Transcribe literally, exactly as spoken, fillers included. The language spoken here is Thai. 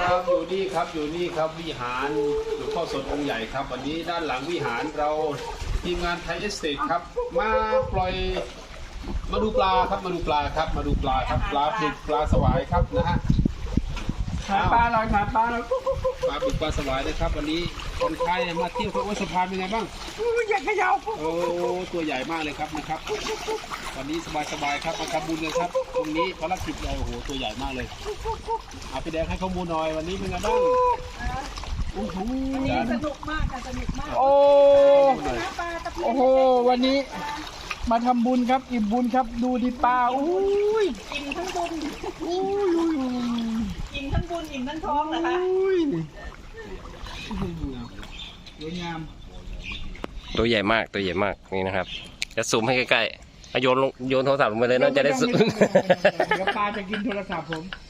ครับอยู่นี่ครับอยู่นี่ครับวิหารหลวงพ่อสดองค์ใหญ่ครับวันนี้ด้านหลังวิหารเราทีมงานไทยเอสเตทครับมาปล่อยมาดูปลาครับมาดูปลาครับมาดูปลาครับปลาบึกปลาสวายครับนะฮะขาปลาเราขาปลาเราปลาบึกปลาสวายนะครับวันนี้คนไทยมาเที่ยวพระอุสะพานเป็นไงบ้างอยากเขย่าโอ้ตัวใหญ่มากเลยครับนะครับวันนี้สบายๆครับมาทำบุญเลยครับตรงนี้ภารกิจเลยโอ้โหตัวใหญ่มากเลยเอาพี่แดงให้ข้อมูลหน่อยวันนี้เป็นไงบ้างโอ้โหสนุกมากค่ะสนุกมากโอ้ปลาตะเพียนโอ้โหวันนี้มาทำบุญครับอิ่มบุญครับดูดิปลาอุ้ยอิ่มทั้งบุญอุ้ยอุ้ยอุ้ยอิ่มทั้งบุญอิ่มทั้งท้องเหรอคะอุ้ยสวยงามตัวใหญ่มากตัวใหญ่มากนี่นะครับจะซูมให้ใกล้ๆเอาโยนลงโยนโทรศัพท์ลงไปเลยเนาะจะได้ซูมเดี๋ยวปลาจะกินโทรศัพท์ผม